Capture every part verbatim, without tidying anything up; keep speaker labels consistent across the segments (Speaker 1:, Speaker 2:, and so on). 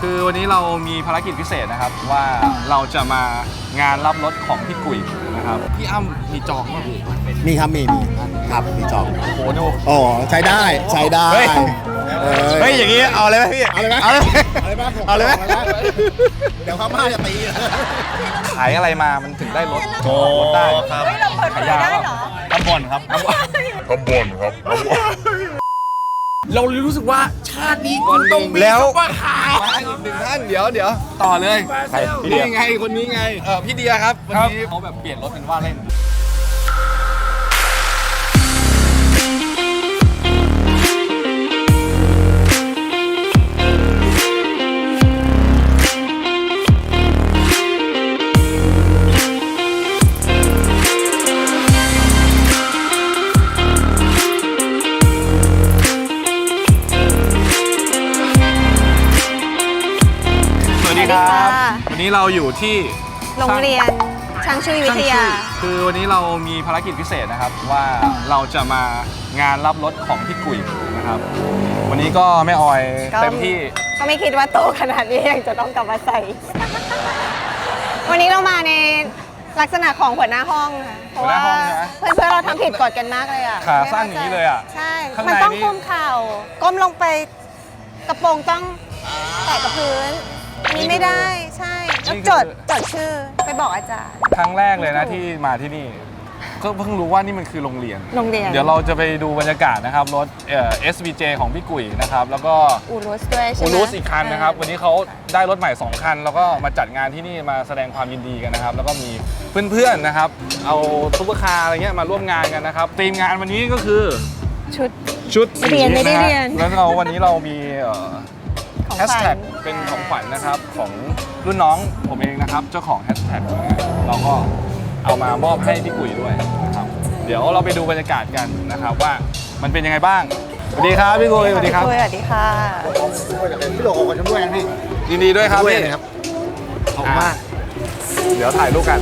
Speaker 1: คือวันนี้เรามีภารกิจพิเศษนะครับว่าเราจะมางานรับรถของพี่กุ๋ยนะครับพี่อ้ำมีจองป่ะพี่
Speaker 2: มีครับมีมีครับมีจอง
Speaker 1: โอ้โหดู
Speaker 2: โอ้ใช้ได้ใช้ได้
Speaker 1: เฮ้ยอย่างงี้เอาเลยไหมพี่
Speaker 2: เอาเลยไหม
Speaker 1: เอาเลย
Speaker 2: เอาเลยไหม
Speaker 1: เอาเลยไหม
Speaker 2: เดี๋ยวเขามาจะตี
Speaker 1: ขายอะไรมามันถึงได้รถโอ้ได้ครับขายยาได้เหรอทำบ่นครับทำบ่นครับ
Speaker 2: เรารู้สึกว่าชาตินี้
Speaker 1: วันหนึ่งแล้ว
Speaker 2: ว่าหา
Speaker 1: มาอีกหนึ่งท่านเดี๋ยวเดี๋ยวต่อเลยใครนี่ไงคนนี้ไงเออพี่เดียครับวันนี้เขาแบบเปลี่ยนรถเป็นว่าเล่นวันนี้เราอยู่ที่
Speaker 3: โรงเรียนช่างชุยวิทยา
Speaker 1: คือวันนี้เรามีภารกิจพิเศษนะครับว่าเราจะมางานรับรถของพี่กุ๋ยนะครับวันนี้ก็แม่ออยเต็มที่
Speaker 3: ก็ไม่คิดว่าโตขนาดนี้ยังจะต้องกลับมาใส่ วันนี้เรามาในลักษณะของหัวหน้าห้องค่ะเพราะว่าเพื่อนเพื่อเราทำผิดกฎกันมากเลยอ่ะ
Speaker 1: ขาสั้นอย่างนี้เลยอ่ะ
Speaker 3: ใช่มันต้องก้มเข่าก้มลงไปกระโปรงต้องแตะกับพื้นนี่ไม่ได้ใช่แล้วจดจดชื่อไปบอกอาจารย์
Speaker 1: ครั้งแรกเลยนะที่มาที่นี่ก็เพิ่งรู้ว่านี่มันคือโรงเรียน
Speaker 3: โรงเรียน
Speaker 1: เดี๋ยวเราจะไปดูบรรยากาศนะครับรถเอ่อ เอส วี เจ ของพี่กุ๋ยนะครับแล้วก็
Speaker 3: อูรุสด้วยใช่ไหม
Speaker 1: อูรุสอีกคันนะครับวันนี้เขาได้รถใหม่สองคันแล้วก็มาจัดงานที่นี่มาแสดงความยินดีกันนะครับแล้วก็มีเพื่อนๆนะครับเอาซุปเปอร์คาร์อะไรเงี้ยมาร่วมงานกันนะครับธีมงานวันนี้ก็คือ
Speaker 3: ชุด
Speaker 1: ชุด
Speaker 3: เรียนไม่ได้เรียน
Speaker 1: แล้วเราวันนี้เรามีแฮชแท็กเป็นของขวัญนะครับของรุ่นน้องผมเองนะครับเจ้าของแฮชแท็กเราก็เอามามอบให้พี่กุ๋ยด้วยนะครับเดี๋ยวเราไปดูบรรยากาศกันนะครับว่ามันเป็นยังไงบ้างสวัสดีครับพี่กุ๋ยสวัสดีครับ
Speaker 3: สวัสดีค่ะ
Speaker 2: พี่โหลขอชมด้วยพี่
Speaker 1: ยินดีด้วยครับพี่
Speaker 2: ครับขอบคุณมาก
Speaker 1: เดี๋ยวถ่ายรูปกัน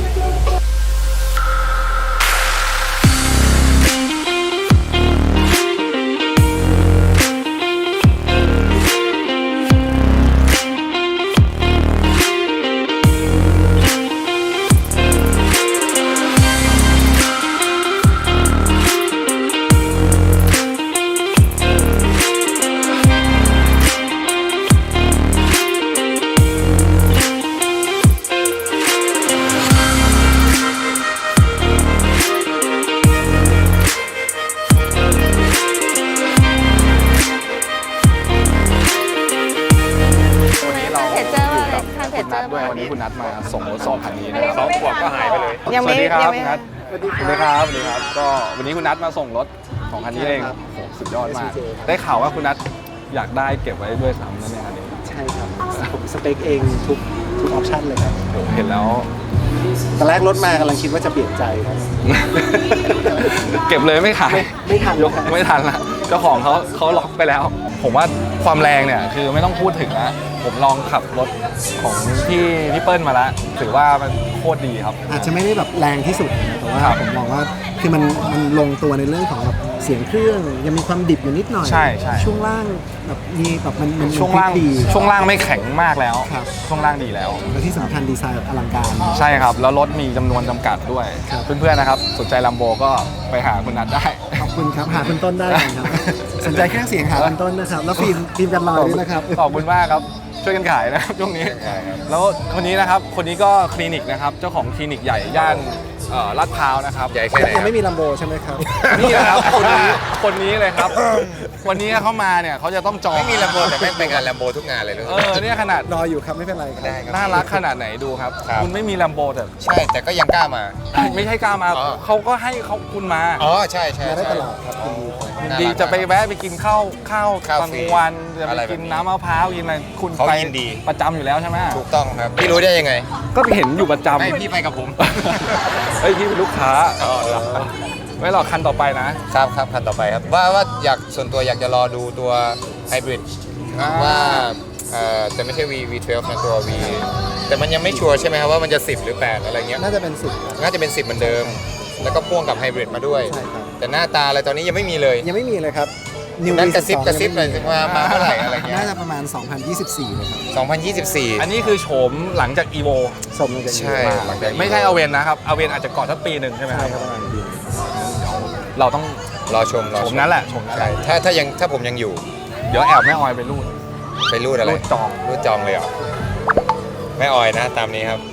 Speaker 1: ด้วยวันนี้คุณนัทมาส่งรถสองคันนี้นะครับสองขวบก็หายไปเลยสวัสดีครับคุณนัทสวัสดีครับสวัสดีครับก็วันนี้คุณนัทมาส่งรถสองคันนี้เองโอ้สุดยอดมากได้ข่าวว่าคุณนัทอยากได้เก็บไว้ด้วยซ้ำนั่นเองอันนี้
Speaker 2: ใช่ครับผมสเปคเองทุกทุกออปชั่นเลยครับ
Speaker 1: โอ้เห็นแล้ว
Speaker 2: ตอนแรกรถมากำลังคิดว่าจะเปลี่ยนใจครับ
Speaker 1: เก็บเลยไม่ขาย
Speaker 2: ไม่ทัน
Speaker 1: ยกไม่ทันละเจ้าของเขาเขาล็อกไปแล้วผมว่าความแรงเนี่ยคือไม่ต้องพูดถึงนะผมลองขับรถของพี่พี่เปิ้ลมาแล้วถือว่ามันโคตรดีครับ
Speaker 2: อาจจะไม่ได้แบบแรงที่สุดนะแต่ว่าผมมองว่าคือมันมันลงตัวในเรื่องของแบบเสียงเครื่องยังมีความดิบอยู่นิดหน่อย
Speaker 1: ใช่ใช่
Speaker 2: ช่วงล่างแบบมีแบบมันมัน
Speaker 1: ช่วงล่างดีช่วงล่างไม่แข็งมากแล้วช่วงล่างดีแล้ว
Speaker 2: และที่สำคัญดีไซน์อลังการ
Speaker 1: ใช่ครับแล้วรถมีจำนวนจำกัดด้วยเพื่อนๆนะครับสนใจลัมโบก็ไปหาคุณนัทได้
Speaker 2: ขอบคุณครับหาคุณต้นได้ครับสนใจเครื่องเสียงหาคุณต้นนะครับแล้วฟิล์มฟิล์มกันรอยด้วยนะครับ
Speaker 1: ขอบคุณมากครับช่วยกันขายนะครับช่วงนี้แล้วคนนี้นะครับคนนี้ก็คลินิกนะครับเจ้าของคลินิกใหญ่ย่านลาดพร้าวนะครับ
Speaker 2: ใหญ่แค่ไหนยังไม่มีลัมโบใช่ไหมครับ
Speaker 1: นี่นะครับคนนี้คนนี้เลยครับวันนี้เขามาเนี่ยเขาจะต้องจอง
Speaker 4: ไม่มีลัมโบแต่ไม่เป็นงานลัมโบทุกงานเลย
Speaker 1: เออเนี่ยขนาด
Speaker 2: รออยู่ครับไม่เป็นไรครับ
Speaker 1: น่ารักขนาดไหนดูครับคุณไม่มีลัมโบแต่
Speaker 4: ใช่แต่ก็ยังกล้ามา
Speaker 1: ไม่ใช่กล้ามาเขาก็ให้เขาคุณมา
Speaker 4: อ๋อใช่ใช่
Speaker 2: ได้ตลอดครับ
Speaker 1: ดีจะไปแวะไปกินข้าวข้าวกลางวันจะไปกินน้ำมะพร้าวกินอะไรคุณไปประจำอยู่แล้วใช่ไหม
Speaker 4: ถูกต้องครับพี่รู้ได้ยังไง
Speaker 1: ก็เห็นอยู่ประจำ
Speaker 4: ไม่พี่ไปกับผม
Speaker 1: เฮ้ยพี่เป็นลูกค้าไม่หรอกคันต่อไป
Speaker 4: นะครับครับคันต่อไปครับว่าว่าอยากส่วนตัวอยากจะรอดูตัวไฮบริดว่าแต่ไม่ใช่ V วี สิบสอง นะตัว V แต่มันยังไม่ชัวร์ใช่ไหมครับว่ามันจะสิบหรือแปดอะไรเงี้ย
Speaker 2: น่าจะเป็นสิบ
Speaker 4: น่าจะเป็นสิบเหมือนเดิมแล้วก็พ่วงกับไฮบริดมาด้วยแต่หน้าตาอะไรตอนนี้ยังไม่มีเลย
Speaker 2: ยังไม่มีเลยครับ New
Speaker 4: นั่น
Speaker 2: V
Speaker 4: กระซิบ
Speaker 2: สิบสอง
Speaker 4: กระซิบหน่อยสิว่ามาเมื่อไหร่อะไรเงี้ย
Speaker 2: น่าจะประมาณ สองพันยี่สิบสี่เลยครับ
Speaker 4: สองพันยี่สิบสี่
Speaker 1: อันนี้คือโฉมหลังจาก อี โว
Speaker 2: สมเลย
Speaker 4: ใช่ หลังจาก
Speaker 1: ไม่ใช่อเวนนะครับอเวนอาจจะก่อนสักปีหนึ่งใช่ไหม
Speaker 2: ใช่
Speaker 1: ครับ
Speaker 2: ครับประมาณปี
Speaker 1: เราต้อง
Speaker 4: รอชมรอ
Speaker 1: โฉมนั้นแหละโฉมนั้นแห
Speaker 4: ใช่
Speaker 1: ละ
Speaker 4: ถ้าถ้ายังถ้าผมยังอยู่
Speaker 1: เดี๋ยวแอบแม่ออยไปรูด
Speaker 4: ไปรูดอะไร
Speaker 1: รูดจอง
Speaker 4: รูดจองเลยเหรอไม่ออยนะตามนี้ครับ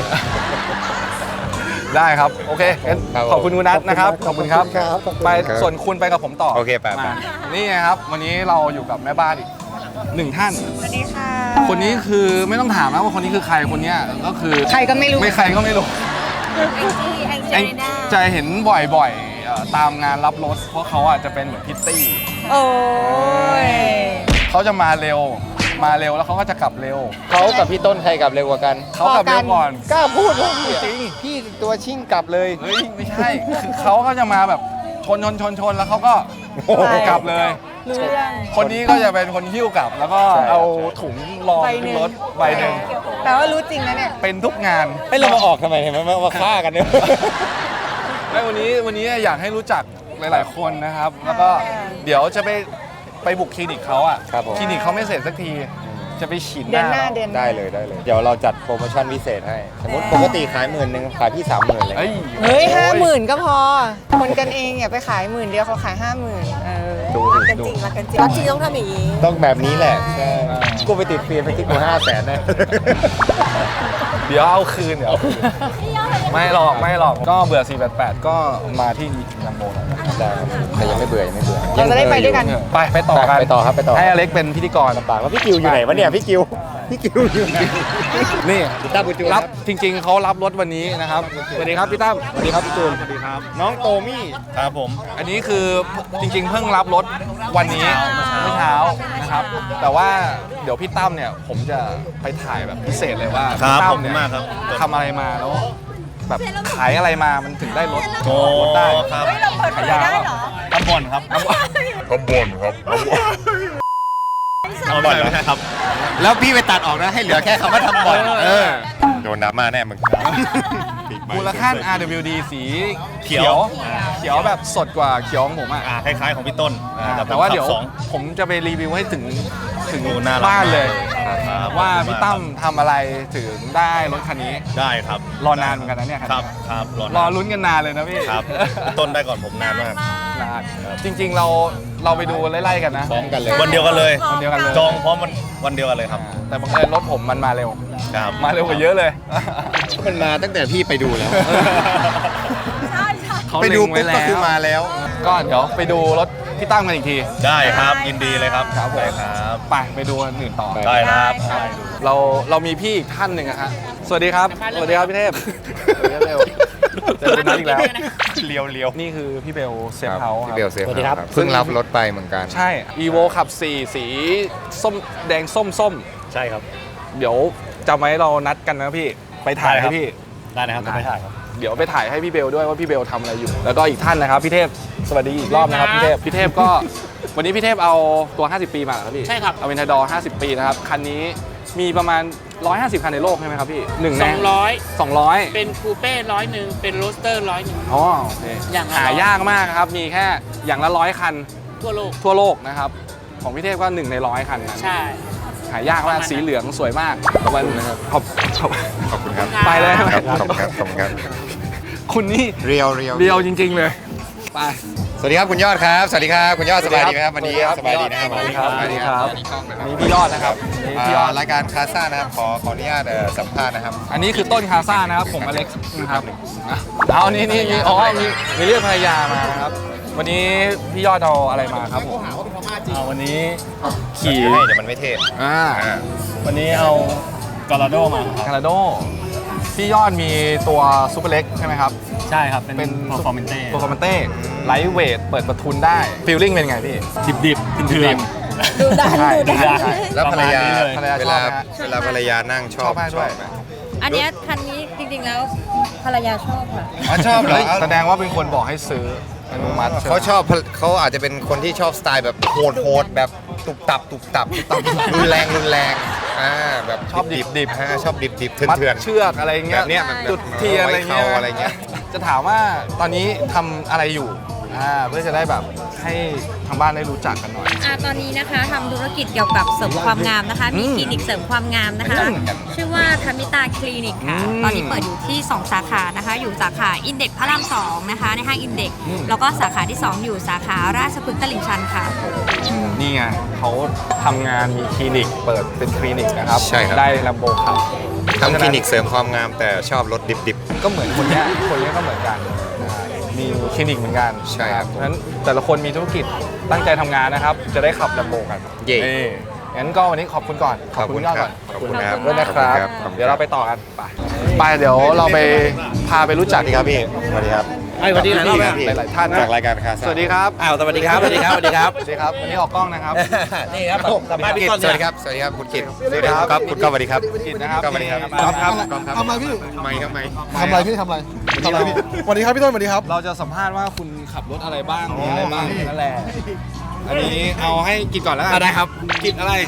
Speaker 1: ได้ครับ โอเคงั้น
Speaker 4: ครับผม
Speaker 1: ขอบคุณคุณนัทนะครับ ขอบคุณครับ
Speaker 2: ครับขอบคุณ
Speaker 1: ไป
Speaker 4: ครับ
Speaker 1: ส่วนคุณไปกับผมต่อ
Speaker 4: โอเคไปไป
Speaker 1: มานี่ไงครับ วันนี้เราอยู่กับแม่บ้านอีกหนึ่งท่าน
Speaker 3: สวัสดีค่ะ
Speaker 1: คนนี้คือไม่ต้องถามนะว่าคนนี้คือใครคนเนี้ยก็คือ
Speaker 3: ใครก็ไม่รู้
Speaker 1: ไม่ใครก็ไม่รู้
Speaker 3: แองจี้แอง
Speaker 1: ไอ้
Speaker 3: เจลิน่า
Speaker 1: จะเห็นบ่อยๆเอ่อตามงานรับรถ เพราะเขาอ่ะจะเป็นเหมือนพิตตี้
Speaker 3: โอ้ย
Speaker 1: เขาจะมาเร็ว มาเร็วแล้วเขาก็จะกลับเร็ว
Speaker 4: เขากับพี่ต้นใครกลับเร็วกว่ากัน
Speaker 1: เขากลับเร็วก่อน
Speaker 4: กล้าพูดว่า
Speaker 1: จริง
Speaker 4: พี่ตัวชิ่งกลับเลย
Speaker 1: เฮ้ยไม่ใช่คือเขาก็จะมาแบบชนชนชนชนแล้วเขาก็
Speaker 4: โอ้โห
Speaker 1: กลับเลย
Speaker 3: รู้เรื่อง
Speaker 1: คนนี้ก็จะเป็นคนหิ้วกลับ แล้วก็
Speaker 4: ใช่
Speaker 1: เอาถุงรอง
Speaker 3: ใบ
Speaker 1: ขึ้
Speaker 3: ห
Speaker 1: น
Speaker 3: นึ่ง
Speaker 1: รถใบหนึ่ง
Speaker 3: แปลว่ารู้จริงนะเนี่ย
Speaker 1: เป็นทุกงาน
Speaker 4: ไม่เรามาออกทำไมเห็นไหมมามาฆ่ากันเนี่ย
Speaker 1: ไม่วันนี้วันนี้อยากให้รู้จักหลาย ๆ คนนะครับ แล้วก็เดี๋ยวจะไปไปบุกคลินิกเขาอ่ะ
Speaker 4: ครับผม
Speaker 1: คลินิกเขาไม่เสร็จสักที จะไปฉีดห
Speaker 3: เดือน
Speaker 1: น้า
Speaker 3: หน้าเดือนหน้า
Speaker 4: ได้เลยได้เลย เดี๋ยวเราจัดโปรโมชั่นพิเศษให้ สมมติปกติขายหมื่นหนึ่งขายพี่สามหมื่นเลย
Speaker 1: เฮ้ย
Speaker 3: เฮ้ยห้าหมื่นก็พอ คนกันเองอย่าไปขายหมื่นเดียวเขาขายห้าหมื่นเออ
Speaker 4: ดู
Speaker 3: รัก
Speaker 4: ดิ
Speaker 3: กัน
Speaker 4: ดู
Speaker 3: จริงรักกันจริงรักจริงต้องทำอย่างนี้
Speaker 4: ต้องแบบนี้แหละ ใช่กูไปติดฟิล์มไปที่กูห้าแสนนะ
Speaker 1: เดี๋ยวเอาคืนเดี๋ยวเอาคืนไม่หรอกไม่หรอกก็เบื่อสี่แปดแปดก็มาที่ลัมโบหน่อย
Speaker 4: ได้ครับแต่ยังไม่เบื่อยังไม่เบื่อ
Speaker 3: เราจะได้ไปด้วยกัน
Speaker 1: ไปไปต่อกัน
Speaker 4: ไปต่อครับไปต่อ
Speaker 1: ให้อเล็กเป็นพิธีกร
Speaker 4: ลำบากแล้วพี่กิวอยู่ไหนวะเนี่ยพี่กิวพี่กิวอยู่ไหน
Speaker 1: นี่
Speaker 4: พี่ตั้มบุญจู
Speaker 1: รับจริง ๆเขารับรถวันนี้นะครับสวัสดีครับพี่ตั้มสวัสดีครับพี่จูน
Speaker 5: สวัสดีครับ
Speaker 4: น้องโตมี่
Speaker 5: ครับผม
Speaker 1: อันนี้คือจริง ๆ เพิ่งรับรถวันนี้เมื่อเช้านะครับ แต่ว่าเดี๋ยวพี่ตั้มเนี่ยผมจะไปถ่ายแบบพิเศษเลยว่า
Speaker 5: ครับ
Speaker 1: พี่ตั้
Speaker 5: ขอบคุณ
Speaker 1: เนี่ย
Speaker 5: มากครับ
Speaker 1: ทำอะไรมาแล้วแบบขายอะไรมามันถึงได้รถ
Speaker 5: โอ้
Speaker 1: รถได้
Speaker 5: ครับ
Speaker 3: เราเปิดเผยได้เหรอ
Speaker 5: ตำบลครับ เอาบ่อยไหมครับ
Speaker 4: แล้วพี่ไปตัดออกนะให้เหลือแค่คำว่าทำบ่อยเออโดนดราม่าแน่มึง
Speaker 1: มูลค่า อาร์ ดับเบิลยู ดี สี
Speaker 5: เขียว
Speaker 1: เขียวแบบสดกว่าเขียวของผมอ่ะ
Speaker 5: อ่าคล้ายๆของพี่ต้นอ่
Speaker 1: แต่ว่าเดี๋ยว
Speaker 5: ขับสอง
Speaker 1: ผมจะไปรีวิวให้ถึงถึง
Speaker 5: โอ้น่ารัก
Speaker 1: บ้านเลย
Speaker 5: ครับ
Speaker 1: ว่าพี่ตั้มทำอะไรถึงได้รถคันนี้
Speaker 5: ได้ครับ
Speaker 1: รอนานเหมือนกันนะเนี่ย
Speaker 5: ครับครับรอ
Speaker 1: รอ
Speaker 5: นะ
Speaker 1: ลุ้นกันนานเลยนะพี่
Speaker 5: ครับพี่ต้นได้ก่อนผมนานมาก
Speaker 1: นานจริงๆเราเราไปดูไล่ๆกันนะ
Speaker 4: พร้อมกันเลย
Speaker 5: วันเดียวกันเลย
Speaker 1: วันเดียวกันเลย
Speaker 5: จองพร้อมวันวันเดียวกันเลยครับ
Speaker 1: อ่าแต่บังเอิญรถผมมันมาเร็ว
Speaker 5: ครับ
Speaker 1: มาเร็วกว่าเยอะเลย
Speaker 4: มันมาตั้งแต่พี่ไปดูแล้ว
Speaker 1: เขา
Speaker 4: ไป
Speaker 1: เล็
Speaker 4: ดู
Speaker 1: งไว้
Speaker 4: ปุ๊บก็คือมาแล้ว
Speaker 1: ก็เดี๋ยวไปดูรถพี่ตั้มกันอีกที
Speaker 5: ได้ครับยินดีเลยครับ
Speaker 1: ครับผม
Speaker 5: ได้ครับ
Speaker 1: ไปไปดูอันอื่นต่อ
Speaker 5: ได้ครับ
Speaker 1: ครับเราเรามีพี่อีกท่านหนึ่งอะฮะสวัสดีครับ สวัสดีครับพี่เทพสวัสดีครับเบลเจอคุณนัทอีกแล้ว
Speaker 5: เลียวเลียว
Speaker 1: นี่คือพี่เบลเซฟเฮาส์ค
Speaker 4: พี่
Speaker 1: รับ
Speaker 4: เบลเซฟครับเพิ่งรับรถไปเหมือนกัน
Speaker 1: ใช่ Evo ขับสี่สีส้มแดงส้มส้ม
Speaker 5: ใช่ครับ
Speaker 1: เดี๋ยวจำไว้เรานัดกันนะพี่ ไปถ่าย
Speaker 5: ได้ครั
Speaker 1: ให้
Speaker 5: บ
Speaker 1: พี่
Speaker 5: ได้นะครับจะไปถ่ายครับ
Speaker 1: เดี๋ยวไปถ่ายให้พี่เบลด้วยว่าพี่เบลทำอะไรอยู่ แล้วก็อีกท่านนะครับพี่เทพ สวัสดีอีกรอบนะครับพี่เทพ พี่เทพก็ วันนี้พี่เทพเอาตัว ห้าสิบ ปีมาเหรอครับพี่
Speaker 6: ใช่ครับ
Speaker 1: เอาเวนทาดอร์ห้าสิบ ปีนะครับ คันนี้มีประมาณ หนึ่งร้อยห้าสิบ คันในโลกใช่ไหมครับพี่หนึ่งใน
Speaker 6: สองร้อย
Speaker 1: สองร้อย
Speaker 6: เป็นคูเป้ร้อยหนึ่งเป็นโรสเตอร์ร้อยหนึ่ง
Speaker 1: อ๋อโอเค
Speaker 6: อย่างละ
Speaker 1: หายากมากครับ มีแค่อย่างละร้อยคัน
Speaker 6: ทั่วโลก
Speaker 1: ทั่วโลกนะครับ ของพี่เทพก็หนึ่งในร้อยคันนั้น
Speaker 6: ใช่
Speaker 1: หายากมาก สีเหลืองสวยมากประมาณนะครับขอบขอบ
Speaker 4: ขอบคุณครับ
Speaker 1: ไปเลย
Speaker 4: ครับขอบคุณครับขอบคุณครับ
Speaker 1: คุณนี่
Speaker 4: เรียวเรียว
Speaker 1: เรียวจริง ๆ เลย ไป
Speaker 4: สวัสดีครับคุณยอดครับ สวัสดีครับคุณยอดสบายดีไหมครับวันนี้สบายดีนะครับ
Speaker 1: สวัสดีครับ
Speaker 4: สบายดีครับ
Speaker 1: อันนี้พี่ยอดนะครับอันนี้พี่ยอ
Speaker 4: อ่า
Speaker 1: ด
Speaker 4: รายการคาซ่านะครับขอขออนุญาตเอ่อสัมภาษณ์นะครับ
Speaker 1: อันนี้คือต้นคาซ่านะครับ ผมอเล็กซ์นะครับอ่ะเอานี่นี่นี่อ๋อมีมีเรียกภรรยามานะครับ วันนี้พี่ยอดเอาอะไรมาครับผม
Speaker 5: เอาวันนี้
Speaker 4: ขี่ให้เดี๋ยวมันไม่เท่
Speaker 1: อ่า
Speaker 4: อ่า
Speaker 5: วันนี้เอากอร์โดมาครับ
Speaker 1: คาราโดพี่ยอดมีตัวซูเปอร์เล็กใช่ไหมครับ
Speaker 5: ใช่ครับ เป็น
Speaker 1: เป็น
Speaker 5: โปรฟอร์เมนเต้
Speaker 1: โปรคอมเมนเต้ไลท์เวทเปิดประทุนได้ฟีลลิ่งเป็นไงพี่
Speaker 5: ดิบดิบๆเถื่อน
Speaker 3: ดูดัน
Speaker 1: ใช่
Speaker 3: ดูดัน
Speaker 1: ใช่
Speaker 4: แล้วภรรยา
Speaker 1: ภรรยา
Speaker 4: เว
Speaker 1: ชอ
Speaker 4: ลา
Speaker 1: บไหมฮะ
Speaker 4: เวลาภรรยานั่งช
Speaker 1: ช
Speaker 4: อ
Speaker 1: อ
Speaker 4: บบ
Speaker 1: ไหมชอบไหม
Speaker 7: อันเนี้ยคันนี้จริงๆแล้วภรรยาชอบค่ะ
Speaker 4: อ๋อชอบเหรอ
Speaker 1: เฮ้ยแสดงว่าเป็นคนบอกให้ซื้ออนุมัติใช่ไหม
Speaker 4: เขาชอบเขาอาจจะเป็นคนที่ชอบสไตล์แบบโหดโหดแบบตุบตับตุบตับตุบตับรุนแรงรุนแรงอ่าแบบ
Speaker 1: ชอบดิบดิบ
Speaker 4: ฮะชอบดิบดิบเถื่อน
Speaker 1: มัด
Speaker 4: เถื่อน
Speaker 1: เชือกอะไรเงี้ย
Speaker 4: แบบเนี้ยแบบ
Speaker 1: จุดเทียนอะไรเงี้ย
Speaker 4: ไว้เขาอะไรเงี้ย
Speaker 1: จะถามว่าตอนนี้ทำอะไรอยู่อ่าเพื่อจะได้แบบให้ทางบ้านได้รู้จักกันหน่อย
Speaker 7: อ่าตอนนี้นะคะทำธุรกิจเกี่ยวกับเสริมความงามนะคะ มีคลินิกเสริมความงามนะคะ ชื่อว่าธมิตาคลินิกค่ะ
Speaker 1: อืม
Speaker 7: ตอนนี้เปิดอยู่ที่ สอง สาขานะคะ อยู่สาขาอินเด็กซ์พระรามสองนะคะ ในห้างอินเด็กซ์แล้วก็สาขาที่ สอง อยู่สาขาราชพฤกษ์ตลิ่งชันค่ะ
Speaker 1: นี่ไงเขาทำงานมีคลินิกเปิดเป็นคลินิกนะครับ
Speaker 4: ใช่ครับ
Speaker 1: ได้ลัมโบขับ
Speaker 4: ทำคลินิกเสริมความงามแต่ชอบรถดิบ
Speaker 1: ก็เหมือนคนเนี้ยคนเนี้ยก็เหมือนกันมีคลินิกเหมือนกัน
Speaker 4: ใช่ครับ
Speaker 1: เพราะฉะนั้นแต่ละคนมีธุรกิจตั้งใจทำงานนะครับ จะได้ขับลัมโบกัน
Speaker 4: เย่
Speaker 1: นี่งั้นก็วันนี้ขอบคุณก่อน
Speaker 4: ขอบคุณ
Speaker 1: ณยอด
Speaker 4: ครั
Speaker 1: ก่อบ น
Speaker 4: ขอบคุณครับ
Speaker 1: ด้วยนะครับ
Speaker 4: ขอบคุณครับ
Speaker 1: เดี๋ยวเราไปต่อกันไปไปเดี๋ยวเราไปพาไปรู้จักดีครับพี่
Speaker 4: สวัสดีครับ
Speaker 5: ไอ้วันนี้หลายรอบแล้ว
Speaker 1: หลายๆท่านนะ
Speaker 4: จากรายการคา
Speaker 1: สวัสดีครับ
Speaker 5: อ้าวสวัสดีครับสวัสดีครับสวัสดีครับ
Speaker 1: สวัสดีครับวันนี้ออกกล้องนะครับ
Speaker 5: นี่ครับสัมภาษณ์พี่ต้น
Speaker 4: สวัสดีครับ สวัสดีครับ คุณกิตสวัสดีครับคุณก้องสวัสดีครับ
Speaker 1: กิตนะครับ
Speaker 4: ก้องสวัสดีครับ
Speaker 1: ครับครับ
Speaker 2: ทำอะไรพี่
Speaker 4: ไม่ครับไม่
Speaker 2: ทำอะไรพี่ทำอะไรทำอะไรพี่สวัสดีครับพี่ต้นสวัสดีครับ
Speaker 1: เราจะสัมภาษณ์ว่าคุณขับรถอะไรบ้างมีอะไรบ้างนั่นแหละอันนี้เอาให้กิตก่อนแล้วกัน
Speaker 5: ได้ครับ
Speaker 1: กิตอะไร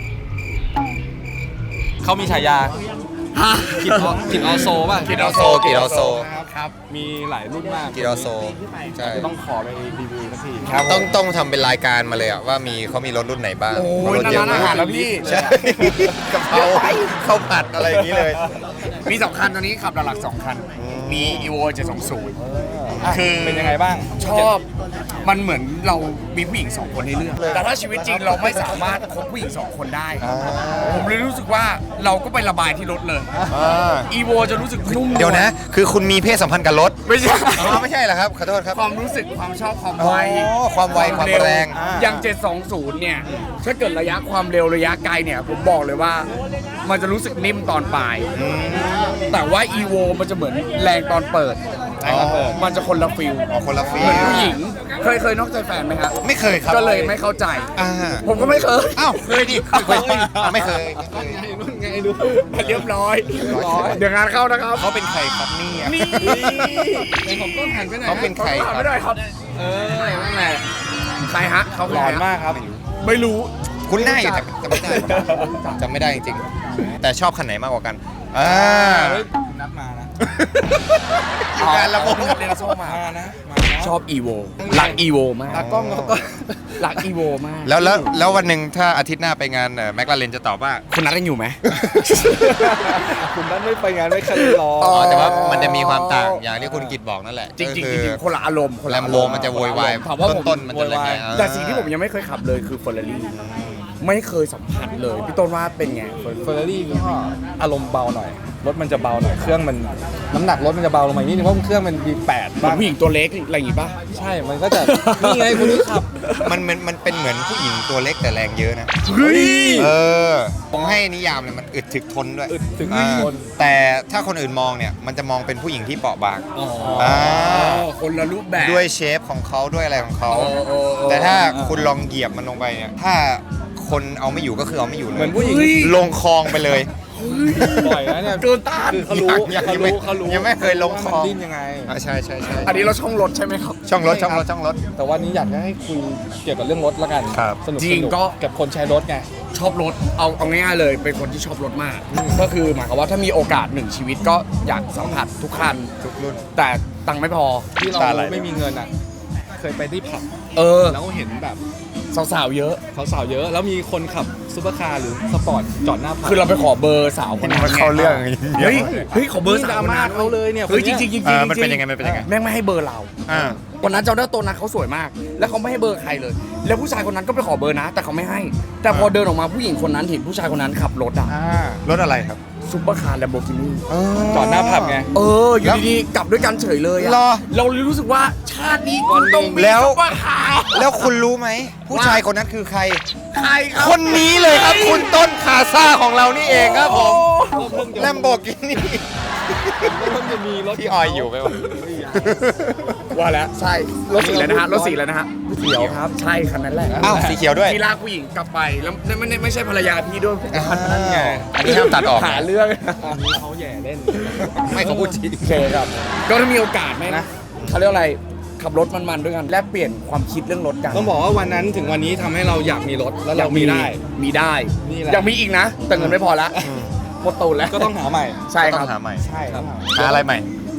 Speaker 1: เขามีฉายากิตออกิตออโซป่ะ
Speaker 4: กิตออโซกิตออโซ
Speaker 1: ครับมีหลายรุ่นมาก
Speaker 4: กิตออโซใช่
Speaker 1: จะต้องขอไปรีวิวสักที
Speaker 4: ต้องต้องทำเป็นรายการมาเลยอะว่ามีเขามีรถรุ่นไหนบ้าง
Speaker 5: โอ้ย
Speaker 4: รถเยอะ
Speaker 5: ร้านอาหารแล้วพี่
Speaker 4: ใช่กะเพราข้าวผัดอะไรอย่างนี้เลย
Speaker 5: มีสองคันตอนนี้ขับหลักๆสองคัน มี อี โว เจ็ดสองศูนย์ คือ
Speaker 1: เป็นยังไงบ้าง
Speaker 5: ชอบมันเหมือนเรามีผู้หญิงสองคนในเรื่อง แต่ถ้าชีวิตจริงเราไม่สามารถคบผู้หญิงสองคนได้ ผมเลยรู้สึกว่าเราก็ไประบายที่รถเลย อีโวจะรู้สึกนุ่ม
Speaker 4: เดี๋ยวนะ คือคุณมีเพศสัมพันธ์กับรถ
Speaker 5: ไม่ใช่
Speaker 4: อ๋อไม่ใช่เหรอครับ ขอโทษครับ
Speaker 5: ความรู้สึกความชอบความ
Speaker 4: อ๋อ
Speaker 5: ไว
Speaker 4: ความไวความแรง
Speaker 5: อย่าง เจ็ดสองศูนย์เนี่ย ถ้าเกิดระยะความเร็วระยะไกลเนี่ย ผมบอกเลยว่า มันจะรู้สึกนิ่มตอนปลาย แต่ว่า อี โว มันจะเหมือนแรงตอนเปิด
Speaker 1: แรงตอนเปิด
Speaker 5: มันจะคนละฟิล
Speaker 4: อ๋อคนละฟี
Speaker 5: เหมือนผู้หญิง เคยเคยนอกใจแฟนไหมครับ
Speaker 4: ไม่เคยครับ
Speaker 5: ก็เลยไม่เข้าใจ
Speaker 4: อ่า
Speaker 5: ผมก็ไม่เคย
Speaker 4: อ้าวเคยดิเคยอ่ะไม่เคยไม่เคย
Speaker 1: ไงดู
Speaker 5: เรียบร้อย
Speaker 4: ร้อย
Speaker 5: เดี๋ยวงานเข้านะครับ
Speaker 4: เขาเป็นใครครับเนี่ย
Speaker 5: นี่
Speaker 1: ในของต้นหันไปไหน
Speaker 4: เขาเป็นใครครับ
Speaker 5: ไม่ได้ครับ
Speaker 1: เออนั่นแหละ
Speaker 5: ใครฮะเขา
Speaker 1: หลอนมากครับ
Speaker 5: ไม่รู้
Speaker 4: คุณหน้าอยู่แต่จำไม่ได้จำไม่ได้จริงๆ แต่ชอบคันไหนมากกว่ากันอ่า
Speaker 1: เฮ้ยนัดมานะ
Speaker 4: งานระบบ
Speaker 5: เรียนโซมา
Speaker 1: มานะมานะ
Speaker 5: ชอบอีโวรักอีโวมาก
Speaker 1: ตากล้องเขาก็
Speaker 5: รักอีโวมาก
Speaker 4: แล้วแล้วแล้ววันหนึ่งถ้าอาทิตย์หน้าไปงานแมคลาเรนจะตอบว่า
Speaker 5: คุณนัดกันอยู่ไหม
Speaker 1: คุณนัดไม่ไปงานไม่คันรอ
Speaker 4: อ๋อแต่ว่ามันจะมีความต่างอย่างที่คุณกิตบอกนั่นแหละ
Speaker 5: จริงๆจ
Speaker 4: ก็
Speaker 5: ริ
Speaker 4: คื
Speaker 5: งๆคนละอารมณ์คน
Speaker 4: แล
Speaker 5: ละ
Speaker 4: ม
Speaker 5: อาร
Speaker 4: โบ
Speaker 5: มณ์
Speaker 4: มันจะโวยวาย
Speaker 5: ถามว่าผม
Speaker 4: ต้นๆมันจะอะไรเงี้ย
Speaker 5: แต่สิ่งที่ผมยังไม่เคยขับเลยคือเฟอร์รารี่ไม่เคยสัมผัสเลยพี่ต้นว่าเป็นไง
Speaker 1: เฟอร์รารี่ก็อารมณ์เบาหน่อย รถมันจะเบาหน่อย เครื่องมันน้ำหนักรถมันจะเบาลงมานิดนึงเพราะเครื่องมัน วี แปด
Speaker 5: เหมือนผู้หญิงตัวเล็กอะไรอย่างงี้ป่ะ
Speaker 1: ใช่ มันก็จะ นี่ไงคุณนี่ขับ
Speaker 4: มันมันมันเป็นเหมือนผู้หญิงตัวเล็กแต่แรงเยอะนะ
Speaker 5: เฮ้ย
Speaker 4: เออผมให้นิยามเลยมันอึดถึกทนด้วย
Speaker 1: อึดถึก
Speaker 4: อ่า
Speaker 1: ทน
Speaker 4: แต่ถ้าคนอื่นมองเนี่ยมันจะมองเป็นผู้หญิงที่เปราะบาง
Speaker 5: อ๋อ
Speaker 4: อ่า
Speaker 5: คนละรูปแบบ
Speaker 4: ด้วยเชฟของเขาด้วยอะไรของเขา
Speaker 5: โอ้โอ้โอ้
Speaker 4: แต่ถ้าคุณลองเหยียบมันลงไปเนี่ยถ้าคนเอาไม่อยู่ก็คือเอาไม่อยู่เลย
Speaker 1: เหมือนผู้หญิง
Speaker 4: ลงคลองไปเลย
Speaker 1: บ่อยนะเนี่ย
Speaker 5: เกินต้าน
Speaker 1: คือเขารู้
Speaker 4: ยัง
Speaker 1: เขา
Speaker 4: ยังไม่
Speaker 1: รู้เขารู้
Speaker 4: ยังไม่เคยลง
Speaker 1: ว่า
Speaker 4: ค
Speaker 1: มัน
Speaker 4: ลอง
Speaker 1: ดิ้นยังไง
Speaker 4: อ่าใช่ใช่ใช่
Speaker 5: อันนี้เราช่องรถใช่ไหมครับ
Speaker 4: ช่องรถช่องรถช่องรถ
Speaker 1: แต่วันนี้อยากจะให้คุยเกี่ยวกับเรื่องรถละกัน
Speaker 4: ครับ
Speaker 1: สนุก
Speaker 5: จริง
Speaker 1: สนุ
Speaker 5: ก็
Speaker 1: กับคนใช้รถไง
Speaker 5: ชอบรถเอาเอาง่ายๆเลยเป็นคนที่ชอบรถมาก ก็คือหมายความว่าถ้ามีโอกาสหนึ่งชีวิตก็อยากสัมผัสทุกคัน
Speaker 4: ทุกรุ่น
Speaker 5: แต่ตังค์ไม่พอ
Speaker 1: ที่เรา
Speaker 4: ตาไหล
Speaker 1: ไม่มีเงินอ่ะ เคยไปที่ผับ
Speaker 5: เออ
Speaker 1: แล้วเห็นแบบ
Speaker 5: สาวๆเยอะ
Speaker 1: สาวๆเยอะ แล้วมีคนขับซุปเปอร์คาร์หรือสปอร์ตจอดหน้าผับ
Speaker 5: คือเราไปขอเบอร์สาวคนนั้น
Speaker 4: มันเข้าเรื่อง
Speaker 5: เฮ้ยเฮ้ยขอเบอร์
Speaker 1: นี่
Speaker 5: สาว
Speaker 1: ดรา
Speaker 5: คน
Speaker 1: ม่า
Speaker 5: นั้น
Speaker 1: เขาเลยเนี่ย
Speaker 5: เฮ้ย
Speaker 1: ค
Speaker 5: จ
Speaker 1: น
Speaker 5: ริ
Speaker 1: เนี้
Speaker 5: ง
Speaker 1: ย
Speaker 5: ๆจริงๆ
Speaker 4: เออมัน
Speaker 5: จริ
Speaker 4: เป็น
Speaker 5: งๆ
Speaker 4: ยังไงมันเป็นยังไง
Speaker 5: แม่งไม่ให้เบอร์เรา
Speaker 4: อ่า
Speaker 5: วันนั้นจำได้ตัวนั้นเขาสวยมาก แล้วเขาไม่ให้เบอร์ใครเลย แล้วผู้ชายคนนั้นก็ไปขอเบอร์นะ แต่เขาไม่ให้ แต่พอเดินออกมาผู้หญิงคนนั้นเห็นผู้ชายคนนั้นขับรถอะ
Speaker 1: อ่าร
Speaker 4: ถอะไรครับ
Speaker 5: ซุปเปอร์คาร์แลมโบกินี่
Speaker 1: จอดหน้าผับไง
Speaker 5: เอออยู่ดีๆกลับด้วยกันเฉยเลยอะ
Speaker 4: รอ
Speaker 5: เราเลยรู้สึกว่าชาตินี้คุณต้องมี
Speaker 4: แล้ว
Speaker 5: ซุปเปอร์คาร์
Speaker 4: แล้วคุณรู้ไหม ผู้ชายคนนั้นคือใคร
Speaker 5: ใครครับ
Speaker 4: คนนี้เลยครับ คุณต้นคาซ่าของเรานี่เองครับผมแลมโบกินี่
Speaker 1: ก็เพิ่งจะมีรถ
Speaker 4: พี่ออยอยู่ไหมวะ
Speaker 5: ว่าแล้วใช่รถสีแล้วนะฮะรถสีแล้วนะฮะเขียวครับใช่คันนั้นแหละ
Speaker 4: อ้าวสีเขียวด้วย
Speaker 5: ที่ลากผู้หญิงกลับไปแล้วไม่ไม่ไม่ใช่ภรรยาพี่ด้วย
Speaker 1: นั่นไง
Speaker 4: อันนี้ห้ามตัดออก
Speaker 5: หาเรื่อง
Speaker 1: อันนี้เขาแย่เล่น
Speaker 4: ไม่เขาพูดจริง
Speaker 5: โอเคครับ ก็ถ้ามีโอกาสไหมนะเขาเรียกอะไรขับรถมันๆด้วยกันแลกเปลี่ยนความคิดเรื่องรถกัน
Speaker 1: ต้องบอกว่าวันนั้นถึงวันนี้ทำให้เราอยากมีรถแล้วเรามีได้
Speaker 5: มีได้
Speaker 1: นี่แหละ
Speaker 5: ยังมีอีกนะ แต่เงินไม่พอละหมดตูนแล้ว
Speaker 1: ก็ต้องหาใหม่
Speaker 5: ใช่ค
Speaker 4: ต้
Speaker 5: รั
Speaker 4: อบ งหาใหม่
Speaker 1: ใช่ครับ
Speaker 4: หาอะไรใหม่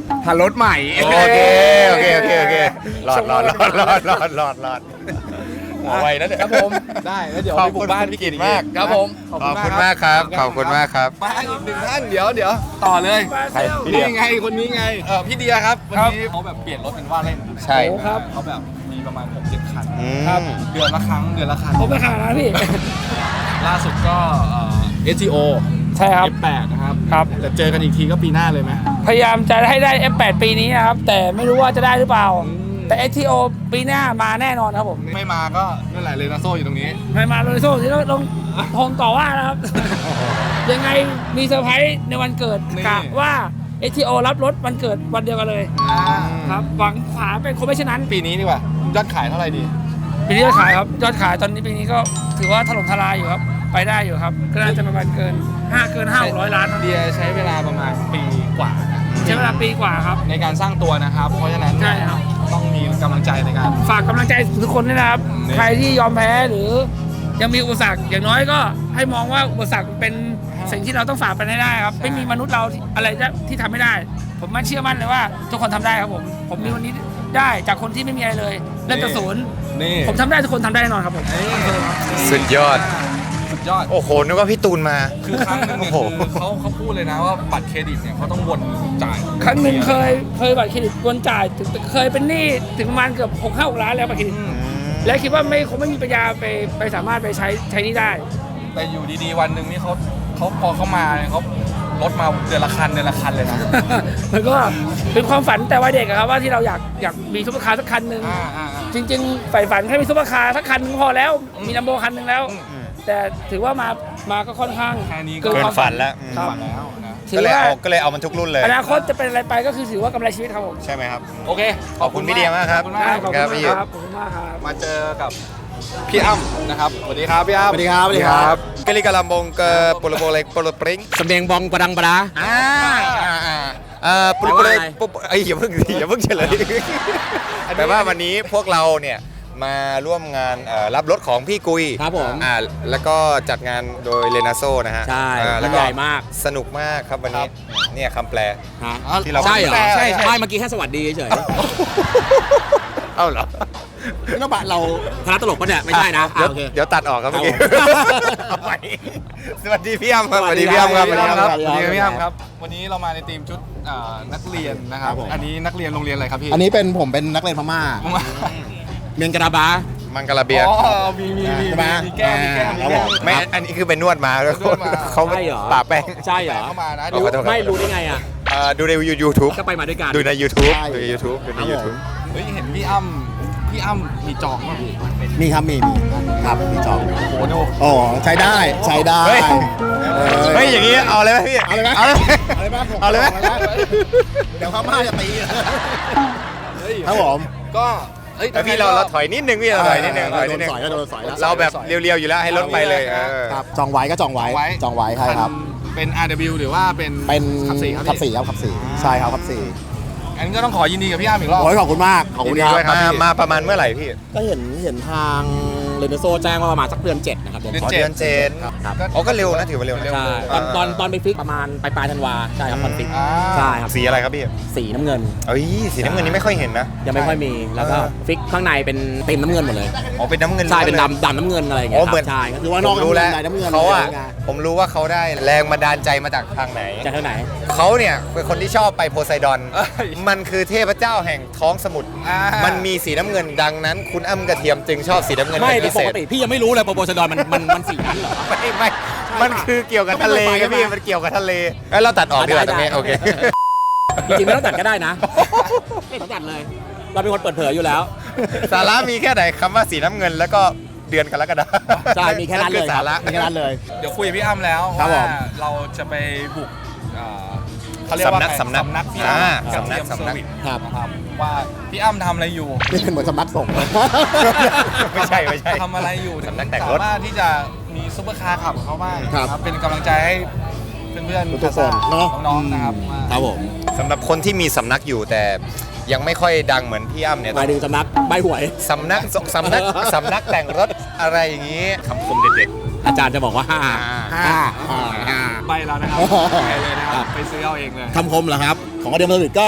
Speaker 5: หารถใหม่
Speaker 4: โอเค โอเค โอเค โอเครอดรอดรอดรอดรอดรอดรอดหัวไวนะเนี่ย
Speaker 1: ครับผมได้แล้วเดี๋ยว
Speaker 4: ขอบ
Speaker 1: ไปบุ
Speaker 4: คุ
Speaker 1: ก
Speaker 4: ณ
Speaker 1: บ้าน
Speaker 4: พี่
Speaker 1: พี่
Speaker 4: กิ
Speaker 1: กิ
Speaker 4: ต
Speaker 1: ต
Speaker 4: มาก
Speaker 1: ครับผม
Speaker 4: ขอบคุณมากครับ ขอบคุณมากครับ
Speaker 1: มาอีกหนึ่งท่านเดี๋ยวเดี๋ยวต่อเลย
Speaker 4: ใครพี่เดีย
Speaker 1: นี่ไงคนนี้ไงเออพี่เดียครับวันนี้เขาแบบเปลี่ยนรถเป็นว่าเล่น
Speaker 4: ใช่
Speaker 1: ครับเขาแบบมีประมาณหกเจ็ดคัน
Speaker 4: อืม
Speaker 1: ครับเดือนละครั้งเดือนละคัน
Speaker 6: ผมไปขายนะพี่
Speaker 1: ล่าสุดก็เอ่อ เอส ที โอ
Speaker 6: ใช่ครับ
Speaker 1: เอฟแปด นะครับ
Speaker 6: ครับ
Speaker 1: แต่เจอกันอีกทีก็ปีหน้าเลยไหม
Speaker 6: พยายามจะให้ได้ เอฟ แปด ปีนี้นะครับ แต่ไม่รู้ว่าจะได้หรือเปล่า แต่ เอส ที โอ ปีหน้ามาแน่นอนครับผม
Speaker 1: ไม่มาก็นั่นแหละเลยนาโซ่อยู่ตรงนี้
Speaker 6: ไม่มาโรนลโซ่ที่ต้องคงต่อว่านะครับ ยังไงมีเซอร์ไพรส์ในวันเกิด
Speaker 1: นี่
Speaker 6: กะว่า เอส ที โอ รับรถวันเกิดวันเดียวกันเลย ครับ หวังฝาเป็นคนไม่เช่นนั้น
Speaker 1: ปีนี้ดีกว่ายอดขายเท่าไหร่ดี
Speaker 6: ปีนี้ยอดขายครับ ยอดขายตอนนี้ปีนี้ก็ถือว่าถล่มทลายอยู่ครับ ไปได้อยู่ครับ ก็น่าจะประมาณเกินห้าเกินห้าร้อยล้านครับ
Speaker 1: เดียใช้เวลาประมาณปีกว่านะ
Speaker 6: ใช้เวลาปีกว่าครับ
Speaker 1: ในการสร้างตัวนะครับ เพราะฉะนั้น
Speaker 6: ใช่ครับ
Speaker 1: ต้องมีกำลังใจในการ
Speaker 6: ฝากกำลังใจทุกคนด้วยนะครับ
Speaker 1: นี่
Speaker 6: ใครที่ยอมแพ้หรือยังมีอุปสรรคอย่างน้อยก็ให้มองว่าอุปสรรคเป็นสิ่งที่เราต้องฝ่าไปให้ได้ครับ ไม่มีมนุษย์เราที่อะไรจะที่ทำไม่ได้ ผมมั่นเชื่อมั่นเลยว่าทุกคนทำได้ครับผม ผมมีวันนี้ได้จากคนที่ไม่มีอะไรเลยเริ่มจากศูนย์
Speaker 1: นี่
Speaker 6: ผมทำได้ทุกคนทำได้แน่นอนครับผม
Speaker 4: สุดยอด
Speaker 1: สุดยอด
Speaker 4: โอ้โห นึกว่าพี่ตูนมา
Speaker 1: คือครั้งหนึงเนี่ย
Speaker 4: โอ้โห
Speaker 1: คือเขาเขาพูดเลยนะว่าบัตรเครดิตเนี่ยเขาต้องวนจ่าย
Speaker 6: ครั้งหนึ่งเคยเคยบัตรเครดิตวนจ่ายถึงเคยเป็นหนี้ถึงประมาณเกือบหกห้าหกล้านแล้วบัตรเครดิต และคิดว่าไม่คงไม่มีปัญญาไปไปสามารถไปใช้ใช้หนี้ได้
Speaker 1: แต่อยู่ดีๆวันหนึ่งนี่เขาเขาพอเขามาเนี่ยเขาลดมาเดือนละคันเดือนละคันเลยนะ
Speaker 6: มันก็เป็นความฝันแต่วัยเด็กอะครับว่าที่เราอยากอยากมีซุปเปอร์คาร์สักคันหนึ่ง
Speaker 1: อ่าอ่าอ่า
Speaker 6: จริงๆใฝ่ฝันแค่มีซุปเปอร์คาร์สักคันหนึ่งพอแล้ว มีลัมโบคันหนึ่งแล้ว แต่ถือว่ามามาก็ค่อนข้าง
Speaker 1: แค่นี้ก็
Speaker 6: เกิน
Speaker 4: เกิ
Speaker 6: ความ
Speaker 4: นฝันแล้ว
Speaker 6: ครับ
Speaker 1: ฝันแล้วนะ
Speaker 6: ถื
Speaker 4: ก็
Speaker 6: อ
Speaker 4: เลย
Speaker 6: ว่า
Speaker 4: เอาก็เลยเอามันทุกรุ่นเลย
Speaker 6: อนาคตจะเป็นอะไรไปก็คือถือว่ากำไรชีวิตครับผม
Speaker 4: ใช่ไหมครับ
Speaker 1: โอเค
Speaker 4: ขอบคุณพี่เดียมากครับ
Speaker 1: ขอบคุณมาก
Speaker 6: ขอบ
Speaker 4: ค
Speaker 6: คุ
Speaker 4: รั
Speaker 6: ณ
Speaker 4: บพี่
Speaker 6: มากครับขอบคุณมากครับ
Speaker 1: มาเจอกับพี่อ้ำนะครับสวัสดีครับพี่อ้ำ
Speaker 2: สวัสดีครับสวัสดีครับ
Speaker 4: กะลิกะลำบงเกอโปโลโบเล็กโปโลปริง
Speaker 5: สำเนียงบองประดังประดา
Speaker 4: อ่าอ่าอ่าอ่าโปโลโบเล็กโปโลไอ้ยอย่าเพิ่งอย่าเพิ่งเฉลยแต่ว่าวันนี้พวกเราเนี่ยมาร่วมงานเอ่อรับรถของพี่กุย
Speaker 5: ครับผม
Speaker 4: อ่าแล้วก็จัดงานโดยเลนาโซนะฮะ
Speaker 5: ใช่
Speaker 4: อ่าแล้ว
Speaker 5: ใหญ่มาก
Speaker 4: สนุกมากครับวันนี้เนี่ยคำแปล
Speaker 5: ฮะ
Speaker 4: ที่เรา
Speaker 5: ใช่เหรอ
Speaker 4: ใช่ใช่
Speaker 5: ไม่เมื่อกี้แค่สวัสดีเฉย
Speaker 4: เอ้าเหรอ
Speaker 2: นี่เราบะเรา
Speaker 5: ๆคณะตลกปะเนี่ยไม่ใช่นะ
Speaker 4: เดี๋ยว
Speaker 5: อ่ะโอเค
Speaker 4: เดี๋ยวตัดออกครับเมื่อกี้
Speaker 5: ครับผม
Speaker 4: เอาใหม่สวัสดีพี่อ้ำครับ
Speaker 5: ส
Speaker 4: ส
Speaker 5: วั
Speaker 4: วั
Speaker 5: ส
Speaker 4: ส
Speaker 5: ดี
Speaker 4: ดี
Speaker 5: ค
Speaker 4: พี่
Speaker 5: รับ
Speaker 4: อ้ำครับ
Speaker 1: พี่อ้ำครับ
Speaker 2: สวัสดีครับ
Speaker 1: สวัสดีพี่อ้ำครับ วันนี้เรามาในทีมชุดอ่านักเรียนนะครับ
Speaker 2: ครับผม
Speaker 1: อันนี้นักเรียนโรงเรียนอะไรครับพี่
Speaker 2: อันนี้เป็นผมเป็นนักเรียนพม่า
Speaker 5: เมียงกระบา
Speaker 4: มังกรเบียร์
Speaker 1: อ๋อมีมีมี
Speaker 2: ใช่ไหม
Speaker 1: มีแก้วมีแก้วมี
Speaker 2: ครับ
Speaker 1: แก้
Speaker 2: ผ
Speaker 1: ว
Speaker 2: ม
Speaker 4: ไม่อันนี้คือเป็นนวดมาแล้ว
Speaker 1: นวดมา
Speaker 4: เขา
Speaker 5: ใช่เหรอ
Speaker 4: ป่าแป้ง
Speaker 5: ใช่เหรอ
Speaker 1: เข้ามานะ
Speaker 4: ขอโทษครับ
Speaker 5: ไม่รู้ได้ไงอ่ะ
Speaker 4: เอ่อดูใน YouTube
Speaker 5: ก็ไปมาด้วยกัน
Speaker 4: ดูใน YouTube
Speaker 2: ใช่
Speaker 4: ดูใน YouTube ดูใน YouTube
Speaker 1: เฮ้ยเห็นพี่อ้ำพี่อ้ำมีจองป่ะพี่
Speaker 2: มีครับมีมีครับมีจอง
Speaker 1: โอ้โหดู
Speaker 2: โอ้ใช้ได้ใช้ได้
Speaker 4: เฮ้ย
Speaker 2: ออ
Speaker 4: เฮ้ยอย่างนี้เอาเลยไหมพี่
Speaker 2: เอาเลยไหม
Speaker 4: เอาเลย
Speaker 2: เอาเลยไหมผม
Speaker 4: เอาเลยไหม
Speaker 2: เดี๋ยวพม่าจะตี
Speaker 1: เฮ้ย
Speaker 2: ครับผม
Speaker 1: ก็เฮ้ย
Speaker 4: แต่พี่เราเราถอยนิดนึงพี่เราถอยนิดนึงถอยนิดนึง
Speaker 2: โดนสอยแล้วโดนสอยแล้ว
Speaker 4: เราแบบเรียวๆอยู่แล้วให้รถไปเลยเออ
Speaker 2: ครับจองไว้ก็จองไว้จองไว้ใช่ครับ
Speaker 1: เป็น อาร์ ดับเบิลยู หรือว่าเป็น
Speaker 2: เป็น
Speaker 1: ขับสี่ครับ
Speaker 2: ขับ
Speaker 1: พี่
Speaker 2: สี่ครับขับสี่ใช่ครับขับสี่
Speaker 1: อันนี้ก็ต้องขอยินดีกับพี่อ้ำอีกรอบ
Speaker 2: โอ้ยขอบคุณมากขอบคุณ
Speaker 4: ยิน
Speaker 2: ค
Speaker 4: ดี
Speaker 2: รับ
Speaker 4: ด้วยครับมามาประมาณเมื่อไหร่พี่
Speaker 2: ก็เห็นเห็นทางเรเนโซแจ้งว่าประมาณสักเดือนเจ็ดนะครับเดือน
Speaker 1: เดือน
Speaker 4: อ๋อ
Speaker 1: เจ็ด
Speaker 4: เดือนเจ็ด
Speaker 2: ครับ
Speaker 4: อ๋อก็เร็วนะถือว่าเร็วนะ
Speaker 1: เร็ว
Speaker 5: ใช่ตอนตอนตอนไปฟิกประมาณปลายปลายธันวาใช่ครับตอนฟิก
Speaker 1: อ่า
Speaker 5: ใช่ครับ
Speaker 4: สีอะไรครับพี่
Speaker 5: สีน้ำเงิน
Speaker 4: เอ้ยสีน้ำเงินนี่ไม่ค่อยเห็นนะ
Speaker 5: ยังไม่ค่อยมีแล้วก็
Speaker 4: เออ
Speaker 5: ฟิกข้างในเป็นเต็มน้ำเงินหมดเลย
Speaker 4: อ๋อเป็นน้ำเงิน
Speaker 5: ใช่เป็น
Speaker 4: ล้วนลย
Speaker 5: ดำดำน้ำเงินอะไรอย่าง
Speaker 4: อ๋
Speaker 5: เงี้
Speaker 4: อย เหมือน
Speaker 5: ครับใช่ก็
Speaker 2: คื
Speaker 5: คือ อ
Speaker 2: ว่านอก
Speaker 4: ผมรู้แล้ว
Speaker 2: น้ำเงิน
Speaker 4: เขาอะ
Speaker 2: น้ำเงิน
Speaker 4: ผมรู้ว่าเขาได้แรงบันดาลใจมาจากทางไหน
Speaker 5: จากเท่าไหน
Speaker 4: เขาเนี่ยเป็นคนที่ชอบไปโพไซดอน
Speaker 1: เอ้ย
Speaker 4: มันคือเทพเจ้าแห่งท้องสมุทร
Speaker 1: อ่ามั
Speaker 4: มันมีสีน้ำเงินดังนั้น คุณอ้ำกระเทียมจึงชอบสีน้ำเงิน
Speaker 5: ไม่
Speaker 4: เป็น
Speaker 5: แต่
Speaker 4: พิ
Speaker 5: ป
Speaker 4: เศ
Speaker 5: ก
Speaker 4: ษ
Speaker 5: ติพี่ยังไม่รู้เลยโปรโพสดอนมันมันมันสีนั้นเหรอ
Speaker 4: ไม่ไม่ มันคือเกี่ยวกับทะเลครับพี่ มันเกี่ยวกับทะเลเอ้ยเราตัดออกดีกว่าตรงนี้
Speaker 5: ได้ได้
Speaker 4: โอเค
Speaker 5: จริงๆไม่ต้องตัดก็ได้นะไม่ต้องตัดเลย เราเป็นคนเปิดเผยอยู่แล้ว
Speaker 4: สาระมีแค่ไหนคำว่าสีน้ำเงินแล้วก็เดือนกันแล้วกันนะ
Speaker 5: ใช่มีแค่นั้นเลย
Speaker 4: สาระ
Speaker 2: มีแค่นั้นเลย
Speaker 1: เดี๋ยวคุยกับพี่อ้ำแล้ว
Speaker 2: ครับผ
Speaker 1: ว่าม เราจะไปบุกอ่าเขาเรียกว่า
Speaker 4: สำนัก
Speaker 1: ไง
Speaker 4: สำนัก
Speaker 1: สำนักพี่
Speaker 4: อ่า
Speaker 1: อ้ำกับ
Speaker 4: สำนัก
Speaker 1: เทียม
Speaker 4: สำนัก
Speaker 1: เซอร์วิส
Speaker 2: ครับ
Speaker 1: นะครับว่าพี่อ้ำทำอะไรอยู่
Speaker 2: นี่เป็นเหมือนสำนักสงฆ์
Speaker 4: ไม่ใช่ไม่ใช่
Speaker 1: ทำอะไรอยู่
Speaker 4: สำนักแต่งรถ
Speaker 1: สามารถที่จะมีซุปเปอร์คาร์ขับกับเขาบ้าง
Speaker 2: ครับ
Speaker 1: นะเป็นกำลังใจให้เพื่อนๆ
Speaker 2: ทุกคนเนอะ
Speaker 1: น้องๆนะครับว่า
Speaker 5: ครับผม
Speaker 4: สำหรับคนที่มีสำนักอยู่แต่ยังไม่ค่อยดังเหมือนพี่อ้ำเนี่ย
Speaker 5: หมายถึงสำนักใบหวย
Speaker 4: สำนักสำนักสำนักแต่งรถอะไรอย่างนี้คำคมเด็ด
Speaker 5: อาจารย์จะบอกว่าห้า
Speaker 4: ๆ
Speaker 2: ห้าห้าห้า
Speaker 1: ไปแล้วนะครับไปเลยนะครับไปซื้อเอาเองเลย
Speaker 2: คำคมเหรอครับ ของอเดียมเซอร์วิสก็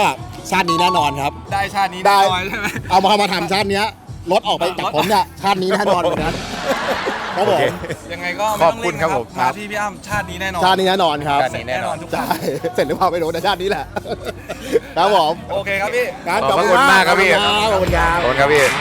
Speaker 2: ชาตินี้แน่นอนครับ
Speaker 1: ได้ชาตินี้
Speaker 2: ได้
Speaker 1: แน่นอนใช่ไหม
Speaker 2: เอามามาทำชาติเนี้ยรถออกไปจากผมเนี่ยชาตินี้แน่นอนเหมือนกันครับผม
Speaker 1: ยังไงก็ไม่
Speaker 4: ขอบ
Speaker 1: ต้อง
Speaker 4: คุ
Speaker 1: เล่
Speaker 4: ณ
Speaker 1: น
Speaker 4: ครับ
Speaker 1: นะ
Speaker 4: ผม
Speaker 1: มาที่พี่อ้ำชาตินี้แน่นอน
Speaker 2: ชาตินี้แน่นอนครับ
Speaker 4: ชาตินี้แน่นอน
Speaker 1: ทุกค
Speaker 2: ใช่
Speaker 1: น
Speaker 2: เสร็จหรือเปล่าไม่รู้แต่ชาตินี้แหละครับผม
Speaker 1: โอเคครับพี่
Speaker 2: งั้น
Speaker 4: ขอบพระคุณมากครับพี่
Speaker 2: ขอบคุณครับ
Speaker 4: ขอบคุณครับพี่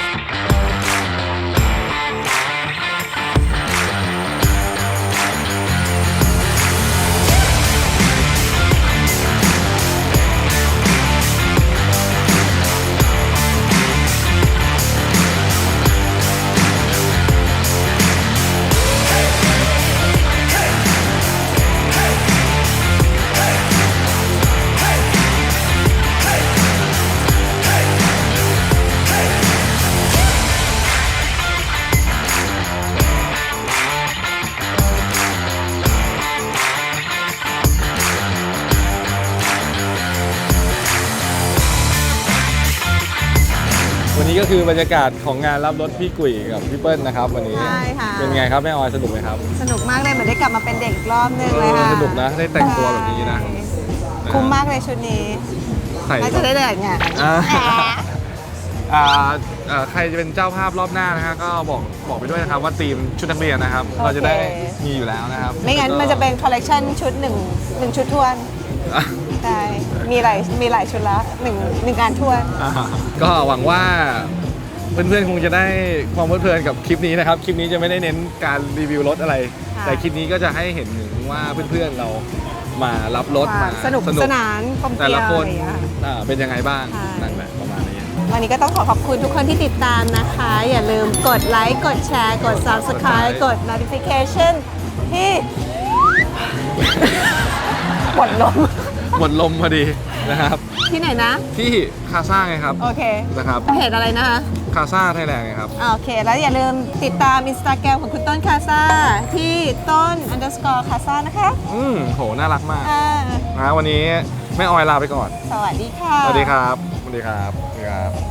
Speaker 1: วันนี้ก็คือบรรยากาศของงานรับรถพี่กุ๋ยกับพี่เปิ้ลนะครับวันนี้
Speaker 3: ใช่ค่ะ
Speaker 1: เป็นไงครับแม่ออยสนุกไหมครับ
Speaker 3: สนุกมากเลยเหมือนได้กลับมาเป็นเด็กอีกรอบนึงเลยค่ะ
Speaker 1: เออสนุกนะได้แต่งตัวแบบนี้นะ
Speaker 3: คุ้มมากเลยชุดนี้
Speaker 1: ใส่
Speaker 3: น่าจะได้เดินงาน
Speaker 1: อ่า
Speaker 3: แหม
Speaker 1: อ่าอ่าใครจะเป็นเจ้าภาพรอบหน้านะฮะก็บอกบอกไปด้วยนะครับว่าทีมชุดนักเรียนนะครับ เราจะได้มีอยู่แล้วนะครับ
Speaker 3: ไม่งั้นมันจะเป็นคอลเลกชันชุดหนึ่งหนึ่งชุดทวน
Speaker 1: อ่ะ
Speaker 3: ใช่ มีหลายมีหลายชุดละหนึ่งหนึ่งการทวน
Speaker 1: อ่าก็หวังว่าเพื่อนๆคงจะได้ความเพลิดเพลินกับคลิปนี้นะครับคลิปนี้จะไม่ได้เน้นการรีวิวรถอะไร
Speaker 3: ค่ะ
Speaker 1: แต่คลิปนี้ก็จะให้เห็นถึงว่าเพื่อนๆเรามารับรถ
Speaker 3: คว
Speaker 1: มา
Speaker 3: สนุกสนานกลมเก
Speaker 1: แต่
Speaker 3: ลีย
Speaker 1: ละ
Speaker 3: ว
Speaker 1: ค
Speaker 3: อะ
Speaker 1: น
Speaker 3: ไรอย่างเงี้ย
Speaker 1: อ่าเป็นยังไงบ้าง
Speaker 3: ใช่
Speaker 1: นั่นแหละประมาณนี้
Speaker 3: วันนี้ก็ต้องขอขอบคุณทุกคนที่ติดตามนะคะ อย่าลืมกดไลค์ กดแชร์ กด Subscribe กด Notification ที่ หมดลม
Speaker 1: หมดลมพอดีนะครับ
Speaker 3: ที่ไหนนะ
Speaker 1: ที่คาซ่าไงครับ
Speaker 3: โอเค
Speaker 1: นะครับ
Speaker 3: เพจอะไรนะคะ
Speaker 1: คาซ่าไทยแลนด์ไงครับ
Speaker 3: อ่าโอเค แล้วอย่าลืมติดตาม Instagram ของคุณต้นคาซาที่ต้น underscore คาซานะคะ
Speaker 1: อืมโหน่ารักมาก
Speaker 3: อ่า
Speaker 1: นะวันนี้แม่ออยลาไปก่อน
Speaker 3: สวัสดีค่ะ
Speaker 1: สวัสดีครับสวัสดีครับสวัสดีครับ